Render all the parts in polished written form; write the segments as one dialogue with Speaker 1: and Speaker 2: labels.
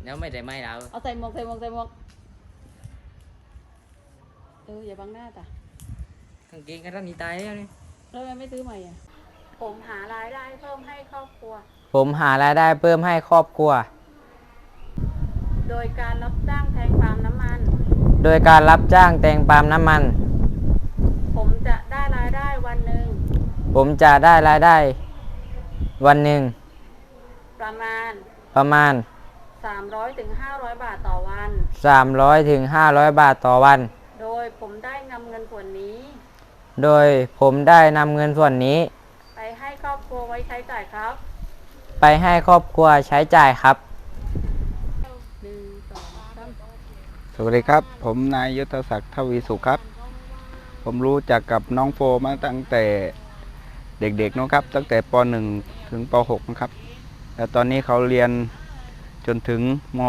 Speaker 1: nếuไม่ได้ไม่แล้ว
Speaker 2: เอาใส่หมวกอย่าบังหน้าจ้ะ
Speaker 1: กางเกงก็ต้องมีตายแล้วนี่
Speaker 2: แล้วทำไมไม่ซื้อใหม่อ่ะผมหารายได้เพิ่มให้ครอบครัว
Speaker 3: ผมหารายได้เพิ่มให้ครอบครัว
Speaker 2: โดยการรับจ้างแทงปาล์มน้ำมัน
Speaker 3: โดยการรับจ้างแตงปาล์มน้ำมัน
Speaker 2: ผมจะได้รายได้วันหนึ่ง
Speaker 3: ผมจะได้รายได้วันหนึ่ง
Speaker 2: ประมาณ
Speaker 3: 300
Speaker 2: ถึง 500 บาทต่อวัน
Speaker 3: 300 ถึง 500 บาทต่อวัน
Speaker 2: โดยผมได้นำเงินส่วนนี้
Speaker 3: โดยผมได้นำเงินส่วนนี้
Speaker 2: ไปให้ครอบครัวไว้ใช้จ่ายครับ
Speaker 3: ไปให้ครอบครัวใช้จ่ายครับ
Speaker 2: 1 2 3
Speaker 4: สวัสดีครับผมนายยุทธศักดิ์ทวีสุขครับผมรู้จักกับน้องโฟมาตั้งแต่เด็กๆนะครับตั้งแต่ป .1 ถึงป .6 นะครับแล้วตอนนี้เขาเรียนจนถึงม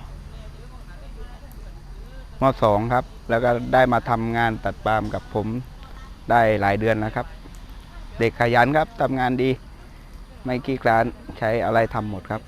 Speaker 4: .2 ครับแล้วก็ได้มาทำงานตัดปาล์มกับผมได้หลายเดือนแล้วครับ เด็กขยันครับทำงานดีไม่ขี้คร้านใช้อะไรทำหมดครับ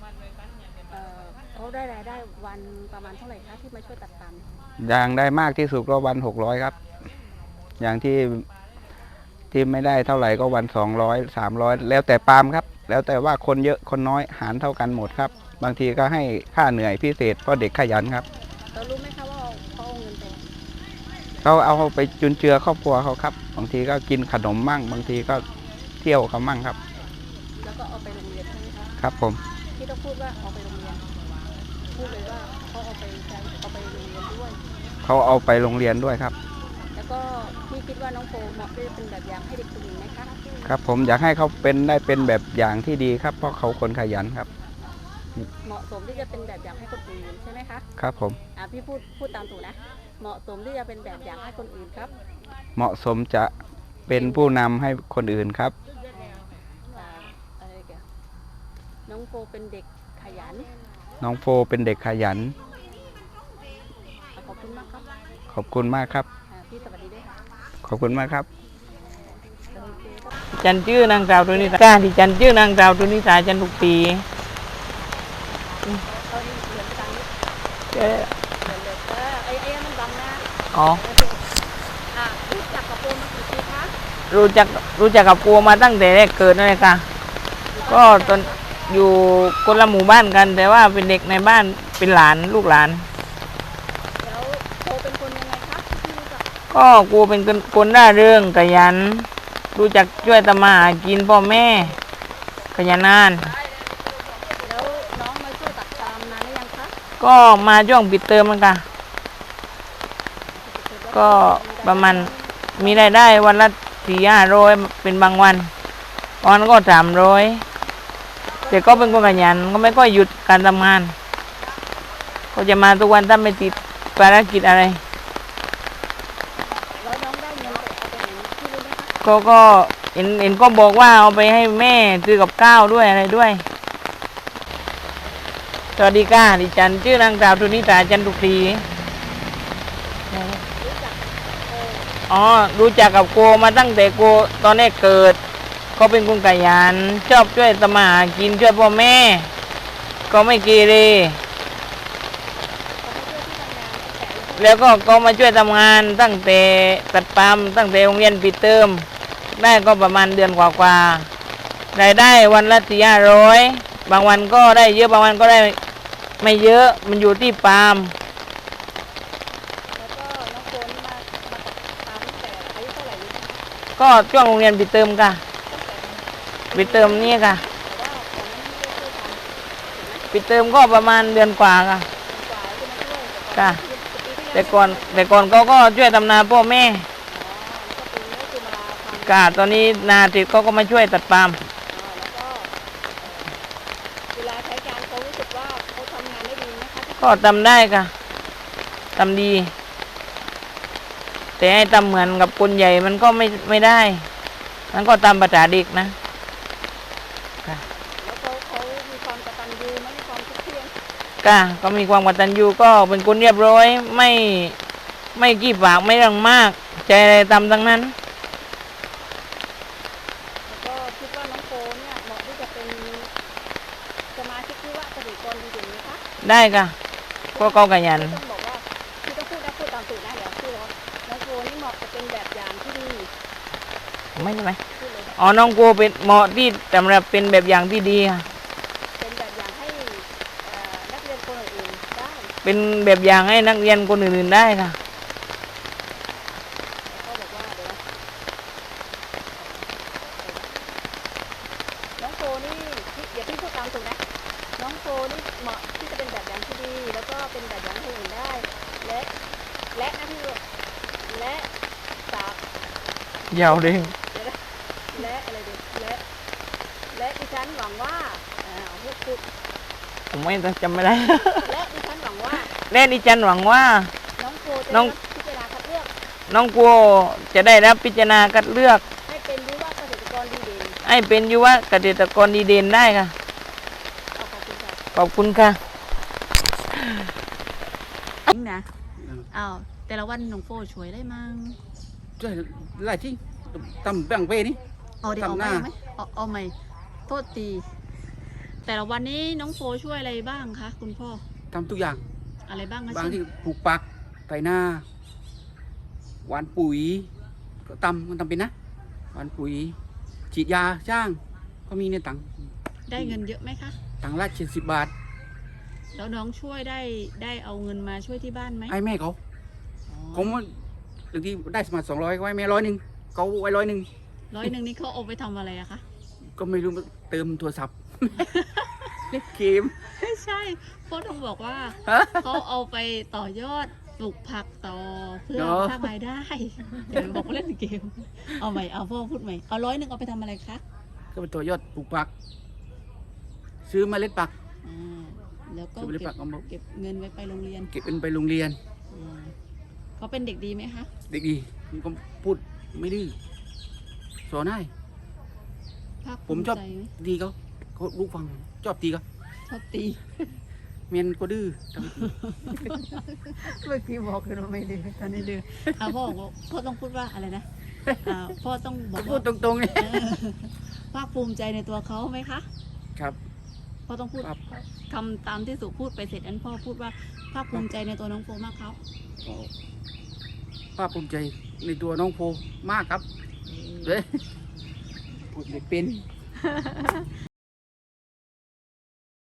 Speaker 2: เขาได้รายได้วันประมาณเท่าไหร่คะที่มาช่วยตัดปาล์ม
Speaker 4: อย่างได้มากที่สุดก็วัน600ครับอย่างที่ไม่ได้เท่าไหร่ก็วัน200 300แล้วแต่ปาล์มครับแล้วแต่ว่าคนเยอะคนน้อยหารเท่ากันหมดครับบางทีก็ให้ค่าเหนื่อยพิเศษเพราะเด็กขยันครับ
Speaker 2: เรารู้ไหมคะว่าเขาเอาเงินไป
Speaker 4: เขาเอาไปจุนเจือครอบครัวเขาครับบางทีก็กินขนมมั่งบางทีก็เที่ยวเขามั่งครับ
Speaker 2: แล้วก็เอาไปโรงเรียนใช่ไหมคะ
Speaker 4: ครับผม
Speaker 2: ที่ต้องพูดว่าเอาไปโรงเรียนพูดเลยว่าเขาเอาไปใช้เอาไปโรงเรียนด้วย
Speaker 4: เขาเอาไปโรงเรียนด้วยครับ
Speaker 2: แล้วก็พี่คิดว่าน้องโฟเหมาะที่จะเป็นแบบอย่างให้เด็กคนอื่นไหมคะ
Speaker 4: ครับผมอยากให้เขาได้เป็นแบบอย่างที่ดีครับเพราะเขาคนขยันครับ
Speaker 2: เหมาะสมที่จะเป็นแบบอย่างให้คนอื่นใช่ไหมคะ
Speaker 4: ครับผม
Speaker 2: พี่พูดตามถูกนะเหมาะสมที่จะเป็นแบบอย่างให้คนอื่นครับ
Speaker 4: เหมาะสมจะเป็นผู้นำให้คนอื่นครับ
Speaker 2: อะไรแกน้องโฟเป็นเด็กขยัน
Speaker 4: น้องโฟเป็นเด็กขยัน
Speaker 2: ขอบคุณมากครับ
Speaker 4: ขอบคุณมากครับ
Speaker 2: พี่สวัสดีด้วยค่ะ
Speaker 4: ขอบคุณมากครับ
Speaker 3: จันชื่อนางสาวตุนิสาการที่จันชื่อนางสาวตุนิสาจันทุกปี
Speaker 2: เขาเหลือตังค์เหลือไอ้มันบังนะ
Speaker 3: อ๋อ
Speaker 2: รู้จักกับโฟมากี่ปีคะ
Speaker 3: รู้จักกับครูมาตั้งแต่แรกเกิดนั่นเลยค่ะ ก็ตอนอยู่คนละหมู่บ้านกัน แต่ว่าเป็นเด็กในบ้านเป็นหลานลูกหลาน
Speaker 2: แล้วโฟเป็นคนยังไงคะที่รู้จัก
Speaker 3: ก็ครูเป็นคนร่าเริงขยัน รู้จักช่วยทำมาหากินพ่อแม่ขยันนาน
Speaker 2: แล้วน้องมาช่วยตัดปาล์มนานหรือยังคะ
Speaker 3: ก็มาช่วงปิดเทอมมันค่ะก็ประมาณมีรายได้วันละ400-500เป็นบางวันก็300แต่ก็เป็นคนขยันก็ไม่ก็หยุดการทำงาน ก็จะมาทุกวันถ้าไม่ติดภารกิจอะไร
Speaker 2: แล้วน้องได้เงินไปเอาไปไหนที่รู้ไหมคะ
Speaker 3: ก็เห็นก็บอกว่าเอาไปให้แม่ซื้อกับข้าวด้วยอะไรด้วยสวัสดีค่ะดิฉันชื่อนางสาวทุนิสาจันทุกปีรู้จักกับโกมาตั้งแต่โกตอนแรกเกิดเขาเป็นคนขยันชอบช่วยทำมาหากินช่วยพ่อแม่ ก็ไม่เกเรแล้วก็มาช่วยทำงานตั้งแต่ตัดปาล์มตั้งแต่โรงเรียนปิดเทอมได้ก็ประมาณเดือนกว่าๆรายได้วันละ400-500บางวันก็ได้เยอะบางวันก็ได้ไม่เยอะมันอยู่ที่ปาล์ม
Speaker 2: แล้วก็น้องโฟนี่มาตัดปาล์มตั้งแต่อายุเท่าไหร่รู้ไหมคะ
Speaker 3: ก็ช่วงโรงเรียนปิดเทอมค่ะปิดเทอมนี่ค่ะ
Speaker 2: แต่ว่าตอนนั้นไม่ได้ช่วยทำ
Speaker 3: ปิดเทอมก็ประมาณเดือนกว่าค่ะ
Speaker 2: กว่าที่มาช่วย
Speaker 3: ค่ะ
Speaker 2: แต่ก่อน
Speaker 3: แต่ก่อนเขาก็ช่วยทำนาพ่อแม่
Speaker 2: แล้วก็ปีนี้คือมาทำ
Speaker 3: ค่ะตอนนี้นาติดเขาก็มาช่วยตัดปาล์ม
Speaker 2: แล้วก็เวลาใช้การเขารู้สึกว่าเขาทำงานได้ดีนะคะที่
Speaker 3: ก็ทำได้ค่ะทำดี แต่ให้ทำเหมือนกับคนใหญ่มันก็ไม่ได้มันก็ตามภาษาเด็กนะค่ะ
Speaker 2: แล้วเขามีความกตัญญูไหมมีความคิดเที่ยง
Speaker 3: ก็มีความกตัญญูก็เป็นคนเรียบร้อยไม่ขี้ปากไม่เรื่องมากใจอะไรทำทั้งนั้น
Speaker 2: แล้วก็คิดว่าน้องโฟเนี่ยเหมาะที่จะเป็นสมาชิกที่ว่าเกษตรกรดีเด่นไหมคะ
Speaker 3: ได้ค่ะก็เขาขยัน
Speaker 2: ต้องบอกว่าที่ต้องพูดตามสูตรนะเดี๋ยวพูดว่าน้องโฟนี่เหมาะจะเป็นแบบอย่างที่ดี
Speaker 3: ไม่ใช่ไหม
Speaker 2: พูดเลย
Speaker 3: อ๋อน้องโกเป็นเหมาะที่สำหรับเป็นแบบอย่างที่ดีค่ะ
Speaker 2: เป็นแบบอย่างให้นักเรียนคนอื่นๆได้
Speaker 3: เป็นแบบอย่างให้นักเรียนคนอื่นๆได้ค่ะ
Speaker 2: แล้วก็บอกว่าเดี๋ยวน้องโฟนี่เดี๋ยวพี่พูดตามสูตรนะน้องโฟนี่เหมาะที่จะเป็นแบบอย่างที่ดี แล้วก็เป็นแบบอย่างให้คนอื่นได้ และนะพี่และสาม
Speaker 3: ยาวเด้ง
Speaker 2: และอะไรดีและดิฉันหวังว่าพูด
Speaker 3: ผมไม่จำไม่ได้
Speaker 2: และดิฉันหวังว่า
Speaker 3: และดิฉันหวังว่า
Speaker 2: น้องโฟจะ
Speaker 3: น้
Speaker 2: ได้
Speaker 3: อง
Speaker 2: รับพิจารณาคัดเลือก
Speaker 3: น้องโกจะได้รับพิจารณาคัดเลือก
Speaker 2: ให้เป็นวิวาเกษตรกรดีเด่น
Speaker 3: ให้เป็นยุวเกษตรกรดีเด่นได้ค่ะ
Speaker 2: เอาขอบคุณค่ะ
Speaker 3: ขอบคุณค่ะ
Speaker 2: นะอ้าวแต่ละวันน้องโฟช่วยได้มั้ง
Speaker 5: ช่วยหลายที่ตำแบ่งเป้นี่
Speaker 2: เอาเดี๋ยวเอา
Speaker 5: ทำห
Speaker 2: ไหม
Speaker 5: น้า
Speaker 2: เอาไหมโทษตี แต่ละวันนี้น้องโฟช่วยอะไรบ้างคะคุณพ่อ
Speaker 5: ทำทุกอย่าง
Speaker 2: อะไรบ้างคะ
Speaker 5: บาง
Speaker 2: เช่น
Speaker 5: ที่ปลูกปักไถนาหวานปุ๋ยก็ตำมันทำเป็นนะหวานปุ๋ยฉีดยาจ้างก็มีเนี่ยตังค์
Speaker 2: ได้เงินเยอะไหมคะ
Speaker 5: ตังค์ละ70 บาท
Speaker 2: แล้วน้องช่วยได้เอาเงินมาช่วยที่บ้านไหม
Speaker 5: ให้แม่เขา
Speaker 2: อ๋อ
Speaker 5: ผมว่าบางทีได้สมัคร200ก็ให้แม่100เขาไว้100
Speaker 2: 100นี่เขาเอาไปทำอะไรอะคะ
Speaker 5: ก็ไม่รู้เติมโทรศัพท์ เล่นเกม
Speaker 2: ไม่ใช่พ่อต้องบอกว่าเขาเอาไปต่อยอดปลูกผักต่อเพื่อ
Speaker 5: เนอะ
Speaker 2: สร้างรายได้เดี๋ยวบอกว่าเล่นเกม เอาใหม่เอาพ่อพูดใหม่เอา100เอาไปทำอะไรคะ
Speaker 5: ก็เป็นตัวยอดปลูกปัก ซื้อเมล็ดปัก
Speaker 2: อ่าแล้วก็
Speaker 5: ซื้อเมล็ดปักเอามา
Speaker 2: เก็บเงินไว้ไปโรงเรียน
Speaker 5: เก็บเป็นไปโรงเรียน
Speaker 2: อืมเขาเป็นเด็กดีไหมคะ
Speaker 5: เด็กดีมันก็พูดไม่ดื้อสอนให้
Speaker 2: ภาค
Speaker 5: ผม
Speaker 2: ภู
Speaker 5: ชอบ
Speaker 2: ใจไหม
Speaker 5: ดีเขารู้ฟังชอบตีเขา
Speaker 2: ชอบตี
Speaker 5: เมียนก็ดื้อทำ
Speaker 2: เมื่อกี้บอกคือเราไม่ดื้อตอนนี้ดื้อพ่อบอกว่าพ่อต้องพูดว่าอะไรนะพ่อต้องบอก
Speaker 5: พูด
Speaker 2: ว่า
Speaker 5: ตรงๆเนี่ย
Speaker 2: ภาคภูมิใจในตัวเขาไหมคะ
Speaker 5: ครับ
Speaker 2: พ่อต้องพูด
Speaker 5: ครับ
Speaker 2: ทำตามที่สุพูดไปเสร็จอันพ่อพูดว่าภาคภูมิใจในตัวน้องโฟมากครับ
Speaker 5: ภาคภูมิใจในตัวน้องโฟมากครับเลยพูดไม่เป็น